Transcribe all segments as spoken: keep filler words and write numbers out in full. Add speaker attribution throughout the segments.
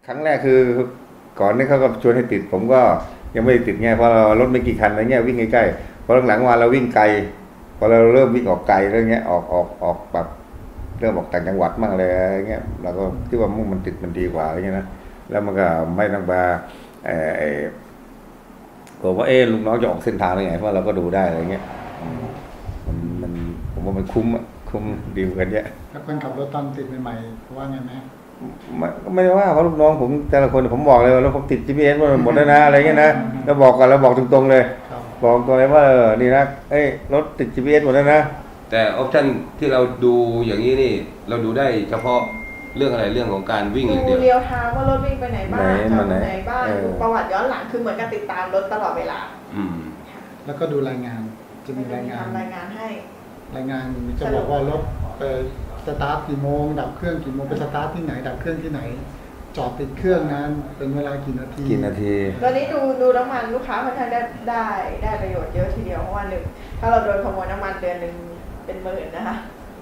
Speaker 1: ครั้งแรกคือก่อนนี่เขาก็ชวนให้ติดผมก็ยังไม่ได้ติดไงเพราะเรารถไม่กี่คันอะไรเงี้ยวิ่งใกล้ๆพอหลังๆมาเราวิ่งไกลพอเราเริ่มวิ่งออกไกลแล้วเงี้ยออกออกออกแบบเริ่มออกต่างจังหวัดมั่งอะไรเงี้ยเราก็คิดว่ามันติดมันดีกว่าอะไรเงี้ยนะแล้วมันก็ไม่ต้องมาเออผมว่าเออลุงน้องจะออกเส้นทางอะไรไงเพราะเราก็ดูได้อะไรเงี้ยมันมันผมว่ามันคุ้มคุ้มดีเหมือนกันเยอะ
Speaker 2: แล้วคนขับรถตอนติดใหม่ๆเขาว่าไงไหม
Speaker 1: ไม่ไม่ได้ว่าเพราะลูกน้องผมแต่ละคนผมบอกเลยว่าแล้วผมติด จี พี เอส หมดแล้วนะอะไรเงี้ยนะแล้วบอกกันแล้วบอกตรงๆเลยบอกตรงเลยว่าเออนี่นะเอ้ยรถติด จี พี เอส หมดแล้วนะ
Speaker 3: แต่ออปชั่นที่เราดูอย่างนี้นี่เราดูได้เฉพาะเรื่องอะไรเรื่องของการวิ่งอย่างเดียว
Speaker 4: ดูเรียวไทม์ว่ารถวิ่งไปไหนบ้างจอดไหนบ้างดูประวัติย้อนหลังคือเหมือนกับติดตามรถตลอดเวลา
Speaker 3: อืม
Speaker 2: แล้วก็ดูรายงานจะมีรายงาน
Speaker 4: รายงานให้
Speaker 2: รายงานจะบอกว่ารถไปสตาร์ทกี่โมงดับเครื่องกี่โมงไปสตาร์ทที่ไหนดับเครื่องที่ไหนจอดติดเครื่องนั้นเป็นเวลากี่นาที
Speaker 1: กี่นาที
Speaker 4: ตอนนี้ดูดูน้ำมันลูกค้าค่อนข้างได้ได้ได้ประโยชน์เยอะทีเดียวเพราะว่าหนึ่งถ้าเราโดนขโมยน้ำมันเดือนหนึ่งเป็นหมื่นนะคะ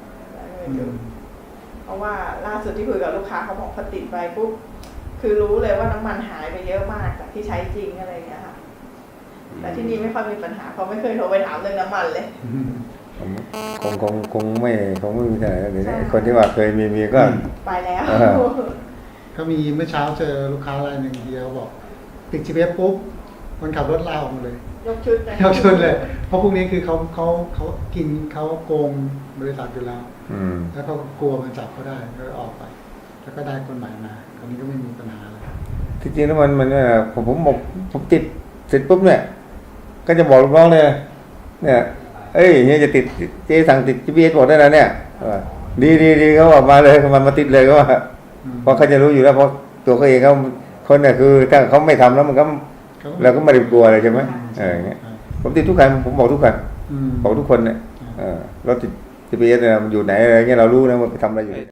Speaker 4: เพราะว่าล่าสุดที่คุยกับลูกค้าเขาบอกพอติดไปปุ๊บคือรู้เลยว่าน้ำมันหายไปเยอะมากจากที่ใช้จริงอะไรอย่างเงี้ยค่ะแต่ที่นี่ไม่ค่อยมีปัญหาเขาไม่เคยโทรไปถามเรื่องน้ำมันเลย
Speaker 1: คงคงคงไม่คงไม่มีอะไรเดี๋ยวนี้คนที่ว่าเคยมีมีก็
Speaker 4: ไปแล้ว
Speaker 2: ก็มีเมื่อเช้าเจอลูกค้ารายหนึ่งเดียวบอกติด จี พี เอส ปุ๊บคนขับรถลาออกมาเลย
Speaker 4: ยกชุด
Speaker 2: ยกชุดเลยเพราะพวกนี้คือเขาเขาเขากินเขาโกงบริษัทอยู่แล้วแล้วเขากลัวมันจับเขาได้ก็ออกไปแล้วก็ได้คนใหม่มาคราวนี้ก็ไม่มีปัญหาอะไร
Speaker 1: ที่จริงแล้วมันมันผมผมบอกผมติดเสร็จปุ๊บเนี่ยก็จะบอกลูกน้องเลยเนี่ยเอ้ยเนี่ยจะติดเจ๊สั่งติด จี พี เอส หมดได้แล้วเนี่ยดีดีดีเขาบอกมาเลยมันมาติดเลยก็ว่าเพราะเขาจะรู้อยู่แล้วเพราะตัวเขาเองเขาคนเนี่ยคือถ้าเขาไม่ทำแล้วมันก็เราก็ไม่ได้กลัวอะไรใช่ไหมเอออย่างเงี้ยผมติดทุกคันผมบอกทุกคันบอกทุกคนเนี่ยรถติด จี พี เอส เนี่ยมันอยู่ไหนอะไรเงี้ยเรารู้นะว่าไปทำอะไรอยู่